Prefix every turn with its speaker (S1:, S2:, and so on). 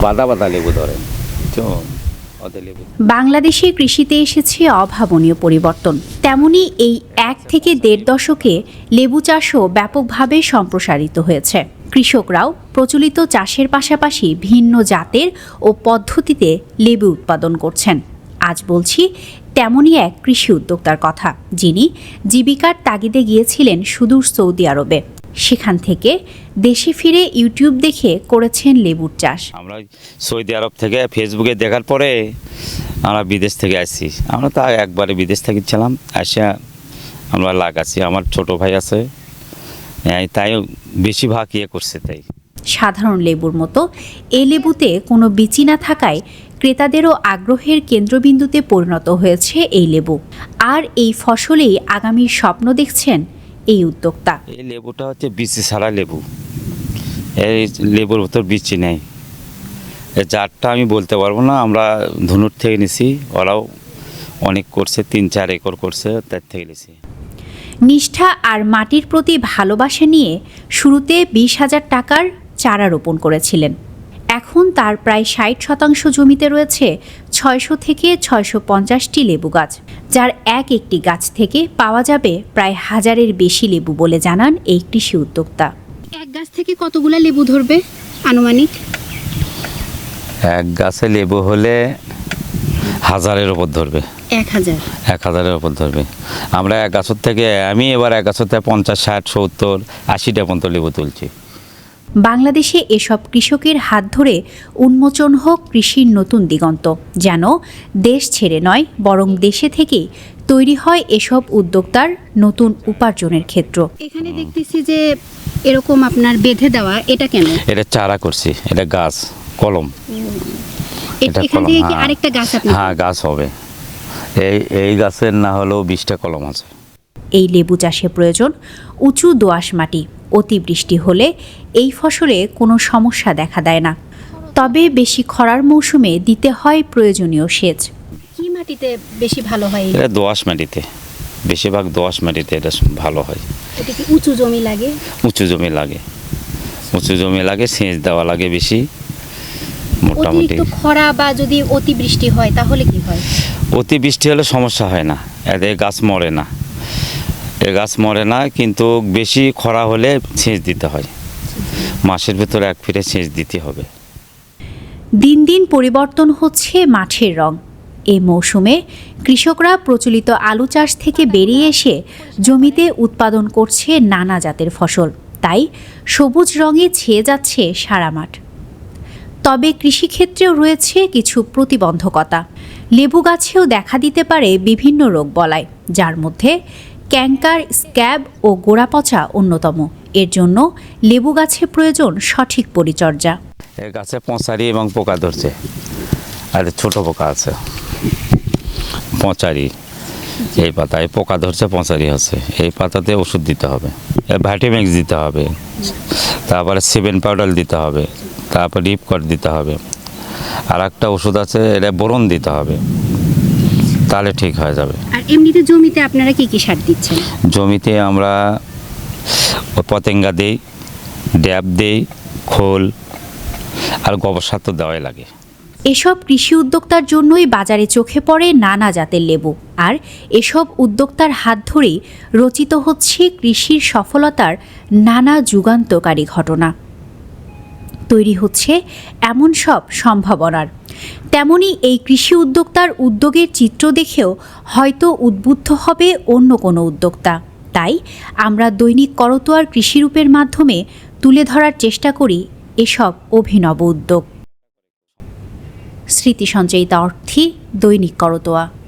S1: বাদা বাদা লেবু ধরে তো
S2: বাংলাদেশে কৃষিতে এসেছে অভাবনীয় পরিবর্তন। তেমনি এই 1 থেকে 1.5 দশকে লেবু চাষও ব্যাপকভাবে সম্প্রসারিত হয়েছে। কৃষকরাও প্রচলিত চাষের পাশাপাশি ভিন্ন জাতের ও পদ্ধতিতে লেবু উৎপাদন করছেন। আজ বলছি তেমনই এক কৃষি উদ্যোক্তার কথা, যিনি জীবিকার তাগিদে গিয়েছিলেন সুদূর সৌদি আরবে। সেখান থেকে দেশে ফিরে ইউটিউব দেখে করেছেন লেবুর চাষ।
S1: আমরা সৌদি আরব থেকে ফেসবুকে দেখার পরে আমরা বিদেশ থেকে আসছি। আমরা তো একবারে বিদেশ থেকে ছিলাম, আসে আমরা লাগাচ্ছি। আমার ছোট ভাই আছে, তাই বেশিরভাগ করছে। তাই
S2: সাধারণ লেবুর মতো এ লেবুতে কোনো বিচি না থাকায় ক্রেতাদেরও আগ্রহের কেন্দ্রবিন্দুতে পরিণত হয়েছে এই লেবু। আর এই ফসলেই আগামীর স্বপ্ন দেখছেন এই উদ্যোক্তা।
S1: এই লেবুটা হচ্ছে বিচি ছাড়া লেবু। এই লেবুর ভিতর বিচি নেই। এই জাতটা আমি বলতে পারবো না, আমরা ধনুর থেকে নিছি। ওরাও অনেক করছে, 3-4 একর করছে, তার থেকে নিছি।
S2: নিষ্ঠা আর মাটির প্রতি ভালোবাসা নিয়ে শুরুতে 20,000 টাকার চারা রোপণ করেছিলেন। এখন তার প্রায় 60% জমিতে রয়েছে 600 থেকে 650টি লেবু গাছ, যার একটি গাছ থেকে পাওয়া যাবে প্রায় 1000-এর বেশি লেবু বলে জানান এই কৃষি উদ্যোক্তা।
S3: এক গাছ থেকে কতগুলো লেবু ধরবে আনুমানিক?
S1: এক গাছে লেবু হলে 1000-এর ওপর ধরবে। 1000-এর ওপর ধরবে। আমরা এক গাছের থেকে আমি এবার এক গাছের থেকে 50, 60, 70, 80টা পর্যন্ত লেবু তুলছি।
S2: বাংলাদেশে এসব কৃষকের হাত ধরে উন্মোচন হোক কৃষির নতুন দিগন্ত, যেন দেশ ছেড়ে নয় বরং দেশে থেকেই তৈরি হয় এসব উদ্যোক্তার নতুন উপার্জনের ক্ষেত্র।
S3: এখানে দেখতেছি যে এরকম আপনার বেঁধে দেওয়া, এটা কেন?
S1: এটা চারা করছি, এটা গাছ কলম।
S3: এখান থেকে কি আরেকটা গাছ আপনি?
S1: হ্যাঁ, গাছ হবে। এই গাছের না হলেও 20টা কলম আছে।
S2: এই লেবু চাষে প্রয়োজন উঁচু দোআঁশ মাটি। অতিবৃষ্টি হলে এই ফসলে কোনো সমস্যা দেখা দেয় না, তবে বেশি খরার মৌসুমে দিতে হয় প্রয়োজনীয় সেচ।
S3: কি মাটিতে বেশি ভালো হয়?
S1: এটা দোআঁশ মাটিতে, বেশিরভাগ দোআঁশ মাটিতে এটা ভালো হয়।
S3: এটা কি উঁচু জমি লাগে?
S1: উঁচু জমি লাগে, উঁচু জমি লাগে, সেচ দেওয়া লাগে বেশি। মোটামুটি
S3: খরা বা যদি অতিবৃষ্টি হয় তাহলে কি হয়?
S1: অতিবৃষ্টি হলে সমস্যা হয় না, এতে গাছ মরে না। গাছ মরে না, কিন্তু বেশি খরা হলে সেচ দিতে হয়। মাসের ভেতরে 1 ফিরে সেচ দিতে হবে।
S2: দিন দিন পরিবর্তন হচ্ছে মাঠের রং। এই মৌসুমে কৃষকরা প্রচলিত আলু চাষ থেকে বেরিয়ে এসে জমিতে উৎপাদন করছে নানা জাতের ফসল, তাই সবুজ রঙে ছেয়ে যাচ্ছে সারা মাঠ। তবে কৃষিক্ষেত্রেও রয়েছে কিছু প্রতিবন্ধকতা। লেবু গাছেও দেখা দিতে পারে বিভিন্ন রোগ বলায়, যার মধ্যে ক্যাঙ্কার, স্ক্যাব ও গোড়াপচা অন্যতম। এর জন্য লেবু গাছে প্রয়োজন সঠিক পরিচর্যা।
S1: এই গাছে পচারি এবং পোকা ধরছে, আর ছোট পোকা আছে পচারি। এই পাতায় পোকা ধরছে, পচারি হচ্ছে। এই পাতাতে ওষুধ দিতে হবে, ভাইটামিক্স দিতে হবে, তারপরে 7 পাউডার দিতে হবে, তারপর রিপকট দিতে হবে। আর একটা ওষুধ আছে, এটা বোরন দিতে হবে, তাহলে ঠিক হয়ে যাবে।
S3: আর এমনিতে জমিতে আপনারা কি কি সার দিচ্ছেন?
S1: জমিতে আমরা পতেঙ্গা দেই, ড্যাব দেই, খোল আর গোবর সার তো দেওয়াই লাগে।
S2: এসব কৃষি উদ্যোক্তার জন্যই বাজারে চোখে পড়ে নানা জাতের লেবু। আর এসব উদ্যোক্তার হাত ধরেই রচিত হচ্ছে কৃষির সফলতার নানা যুগান্তকারী ঘটনা। তৈরি হচ্ছে এমন সব সম্ভাবনার। তেমনি এই কৃষি উদ্যোক্তার উদ্যোগের চিত্র দেখেও হয়তো উদ্বুদ্ধ হবে অন্য কোনো উদ্যোক্তা। তাই আমরা দৈনিক করতোয়ার কৃষিরূপের মাধ্যমে তুলে ধরার চেষ্টা করি এসব অভিনব উদ্যোগ। স্মৃতি সঞ্চয়িতা অর্থী, দৈনিক করতোয়া।